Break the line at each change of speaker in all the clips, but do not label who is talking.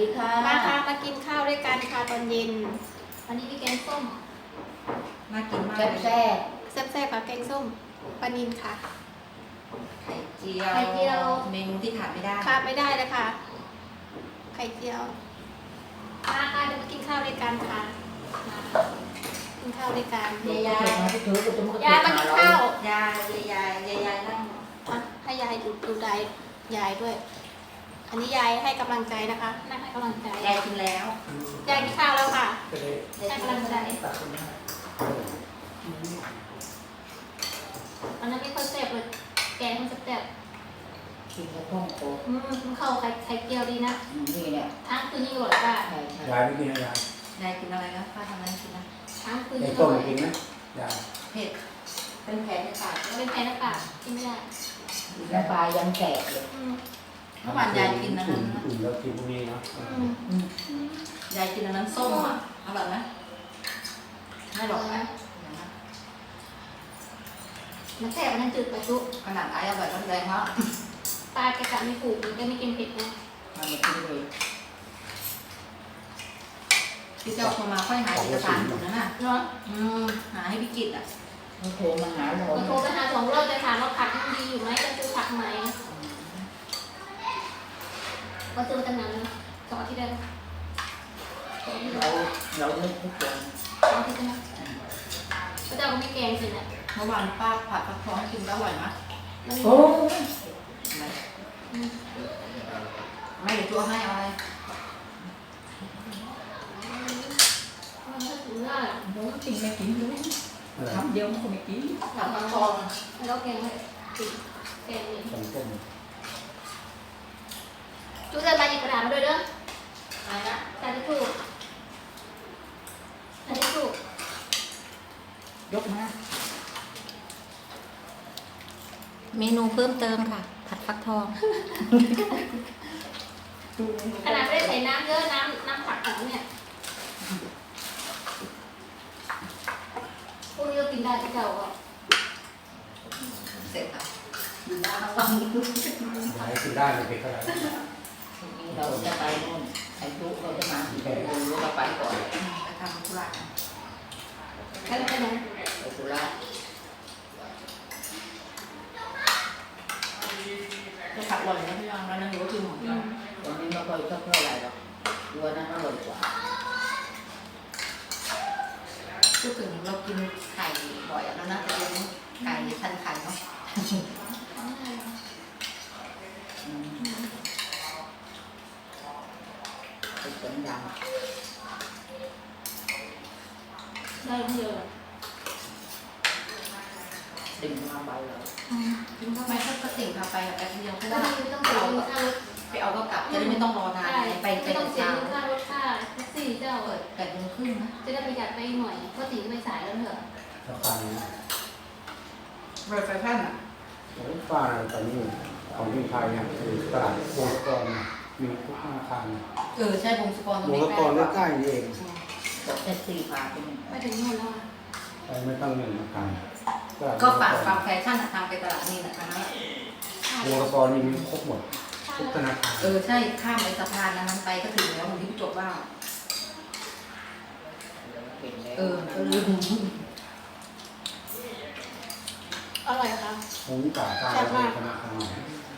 ดีค่ะ
มาค่ะมากินข้าวด้วยกันค่ะตอนเย็นวันนี้มีแกงส้ม
น่ากินมาก
แซ่บ
แซ่บๆค่ะแกงส้มปลานิลค่ะ
ไข่เจียว เมนูที่ขาดไม่ได้
ขาดไม่ได้เลยค่ะไข่เจียวมาค่ะเดี๋ยวมากินข้าวด้วยกันค่ะกินข้าวด้วยกัน
ยายมาถือกุตุมกุตุ
ยายมากินข้าวย
ายนั่ง
ให้ยายดูได้ยายด้วย อันนี้ยายให้กำลังใจนะคะนั่งให้กำลังใจ
ยายกินแล้ว
ยายกินข้าวแล้วค่ะให้กำลังใจอันนั้นไม่ค่อยแซ่บเลยแกงมันแซ่บ
กินกระท่อมโต
เข้าไข่เจียวดีนะ
นี่เนี่ย
ทั้งคืนยิ่งอร่อยค่ะ
ใช่ใช่
ยายไม่กินนะยาย
ยายกินอะไรนะป้าทำอะไรกินนะ
ทั้งคืน
ไอ้
ยิ่งอ
ต้ม
ร่อย
กินไหมยาย
เผ็ด
เป็นแผลในปาก
เป็นแพ้นะค่ะกินไม่ได้
แล้วปลายังแสบเลย
เมื่อวานยายกินนะ
อุ่นแล้วกินพวกนี้เนาะ
ยายกินอันนั้นส้มอ่ะอร่อยไหมไม่หรอกนะ
มันแซ่บมันจืดไปทุก
ขนาดไอ้อร่อยก็แรงมาก
ตาแกะไม่ถูกมันก็ไม่กินเผ็ดนะ
มันไม่กินเลย
พี่เจ้าโทรมาค่อยหาเอกสารอยู่นั่นน่ะ
เนาะ
หาให้พี่กิตอ่ะ
มันโทรมาหาเรา
มันโทรไปหา2 รอบจะถามว่าผักยังดีอยู่ไหมจะซื้อผักไหมก็ซื้อมาตั้งนานแล้ว2 อาทิตย์ได้แล้ว
เราเลิกทุกคน
2 อาทิตย์ใช่ไหมพระเจ้าก็ไม่แกงสิเนี่ย
เมื่อวานป้าผัดฟักทองให้กินก็อร่อยนะ
โอ้
ไม่เดี๋ยวตัวให้เอาอะไร
มันก็ถึงได้
โหกินไม่กินเลยทำเดียวมันก็ไม่กิน
ผัดฟักทอง
แล้วแกงให้ติดแกงนี่
ต้ม
chú ra ba gì làm rồi đó
อะไรนะ
ta đi thu ta đi thu
ยกมา
เมนูเพิ่มเติมค่ะ ผัดฟักทอง
ขนาดไม่ได้ใส่น้ำเยอะน้ำผักของเนี่ยพวกนี้ก็กินได้ที่เก่าอ่ะ
เสร็จค่ะ
อยู่บ้านระวัง
ยายกินได้ไม่เป็นไร
นี่เราจะไปนู่นไอ้ทุกเราจะมาที่ไหนเราไปก่อน
ไปทำธุระกัน
ใครไปไหน
ไปสุราษฎร์
จะผัดอร่อยนะพี่ยองแล้วนั่งอยู่ก็คือหมู
วันนี้ไม่ค่อยชอบเท่าไหร่หรอกตัวนั้นอร่อยกว่า
พูดถึงเรากินไข่บ่อยแล้วน่าจะเป็นไก่พันไข่เนาะ
เป็นเสียงดัง
ได้เยอะ
ดึงมาใบเลย
กินเข้าไปถ้าติ่งพาไปแบบแป๊บเดียวก็
ก็
ได้
ไม่ต้องเสียเงินค่ารถ
ไปเอาก็กลับจะได้ไม่ต้องรอนาน
ใช่
ไป
ไม่ต้องเสีย
เช้า
เงินค่ารถค่าแท็กซี่เจ้า
เปิด8 โมงครึ่งนะ
จะได้ประหยัดไปหน่อยเพราะตีไม่สายแล้วเหรอ
สะพาน
รถไฟฟ้าอ่ะ
ฟ้าตอนนี้ของที่ไทยเนี่ยคือตลาดวงกรมีทุกธนาคาร
ใช่วงสกรตรง
วง
นี้
กรใกล้ๆนี่เอง
บอกแท็กซี่พาไปนี่
ไปถึงนู่นแล้วอ่ะ
ไปไม่ต้องเงินธนาคาร
ก็ฝากฟังแฟชั่นทางไปตลาดนี่นะคะ
วงกรนี่มีครบหมดทุกธนาคาร
ใช่ข้ามไปสะพานนั้นไปก็ถึงแล้วเหมือนที่พี่จบว่า
เห็นแล้ว
ลืม
อร่อยค่ะ
ผมจ่ายตามธนาคารไหน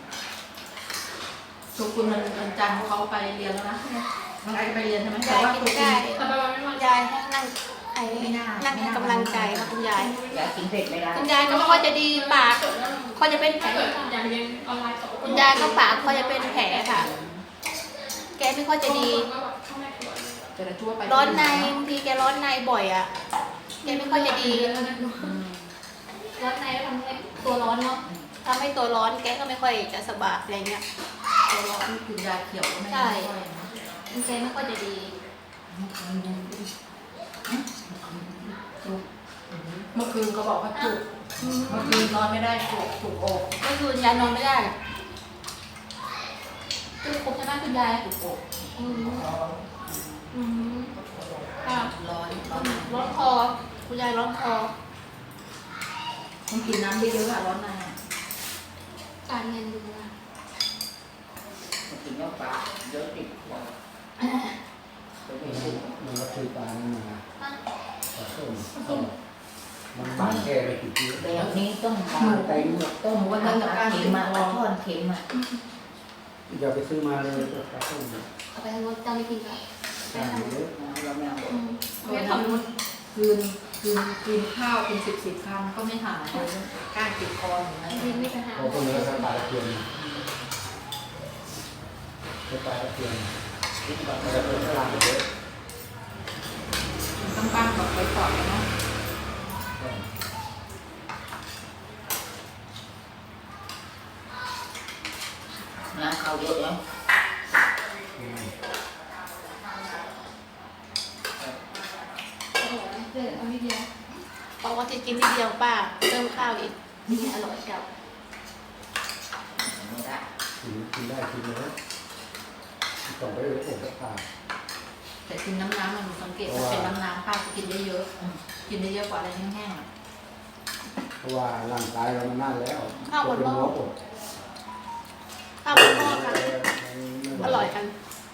ทุกคนมันจันทร์เขาไปเรียนแล้วนะน้องไอ้ไปเรียนใช่ไหมแต่
ยาย
ว่า
กิ
ทุ
น
ก
ได้
คน
ยายให้นั่งนั่งให้กำลังใจค่ะคุณยาย
อยากกินเผ็ดไหมล่ะ
คุณยายก็ไม่ค่อยจะดีปากเขาจะเป็นแผลคุณยายก็ปากเขาจะเป็นแผลค่ะ แกไม่ค่อยจะดี
จะได้ทั่วไป
ร้อนในบางทีแกร้อนในบ่อยอ่ะ แกไม่ค่อยจะดี ร้อนในแล้วทำให้ตัวร้อนเนาะทำให้ตัวร้อนแกก็ไม่ค่อยจะสบายอะไรเงี้ย ตัวร้อน
คุณยายเขียวก็ไม่
ใช่
ค่อยนะ
แกไม่ค่อยจะดี
เมื่อคืนก็บอกว่าจุกเมื่อคืนนอนไม่ได้จุกอก
เมื่อคืนยายนอนไม่ได้คือครบใช่ไหมคุณยาย
จุกอก
อืมอืมค่ะ
ร้อน
ร้อนคอคุณยายร้อนคอ
ต้องกินน้ำเยอะๆอะร้อนใน
การเงินดูนะ
กินเนื้อปลาเยอะติดคอ
อั
มันบานแค่ไม่กี่ที
แบบนี้ต้องมาไปต้มวันนั้นเข็มมาทอดเข็มอ่ะ
อย่าไปซื้อมาเลยก็กระตุ้น
เอาไปทางรถเจ้าไม่กินแล้ว
ใช่เยอะ
เราไม่เอา
ไม่ทำรถ
คืนข้าวเป็น10คำก็ไม่หายก้างติดคออย่างนั้น
ไม่มีปัญหา
เขาก็เนื้อสปาตะเพียนสปาตะเพียนสปาตะเพียนกลางเยอะ
ต้องปั้นแบบไว้ก่อนเนาะ
น้ำเข้าเยอะแล้ว
เอานิดเดียวบอกว่าจะกินทีเดียวป้าเติมข้าวอีกนี่อร่อยเก่า
ไม่ได้
กินได้กินเลยต้องไปเลยผมจะทาน
แต่กินน้ำมันสังเกตถ้าเป็นน้ำป้าจะกินได้เยอะกินได้เยอะกว่าอะไรแห้ง
เพราะว่าร่างกายเรามันนั่นแล้ว
ข้าวบนหม้อค่ะอร่อยกัน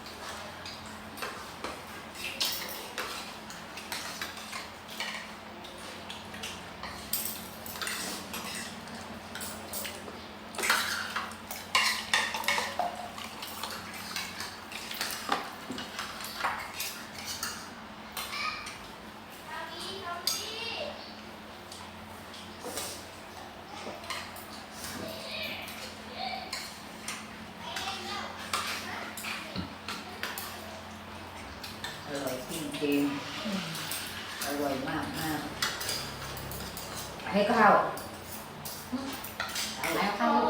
อร่อยจริงๆอร่อยมากมากให้ข้าวเอา
ๆ
แล้
แล้ว วข้าว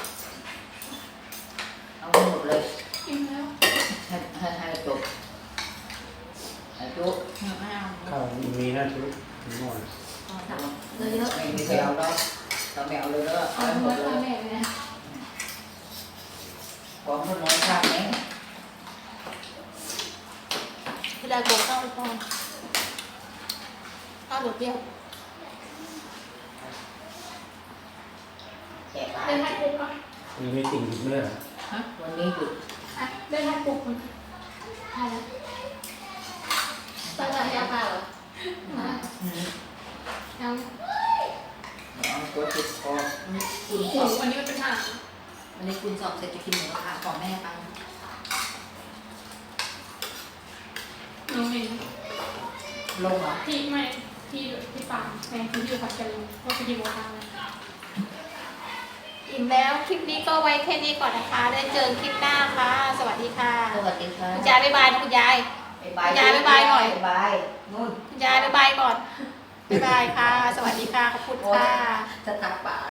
เอาหมดเลย
กินแล้ว
ให้จบให้จุ๊
ไม่เอา
ข้าวมีนะชุดหม้อ
เลยเยอะ
ไม่มีใครเอาแล้วเราไม่เอาเลยแล้ว
เอา
เอาหม
ไว้
ดเล
พ่อย แม่เลยนะ
ของคนน้อยข้าวนี้
พี่ได้โกงข้าวไปก่อนข้าวบดเดียว
แจก
ได้ให้ปุ๊บอ่ะ
มีไม่ติ่งเนื้อ
วันนี้หยุด
ได้ให้ปุ๊บมันใช่แล้วตั้งแต่ยาผ้าเหรอยัง
เอาตัวติดคอ
คุณส
โอ้
อบ
วันนี้มันเป็นหาง
วันนี้คุณสอบเสร็จจะกินหมูกระทะก่อนแม่ไป
น้องเอง
ลงเหรอ
พี่ไม่พี่ปางแฟนที่อยู่ผัดกันว่าไปกินหมูกระทะอิ่มแล้วคลิปนี้ก็ไว้แค่นี้ก่อนนะคะได้เจอคลิปหน้าค่ะสวัสดีค่ะ
สวัสดีค่ะ
คุณยายบ๊ายบายนะคุณยาย
บาย
ยายบ๊ายบายหน่อย
บายนู่น
คุณยายบ๊ายบายก่อนบ๊ายบายค่ะ สวัสดีค่ะขอบคุณค่ะ
จะตักปาก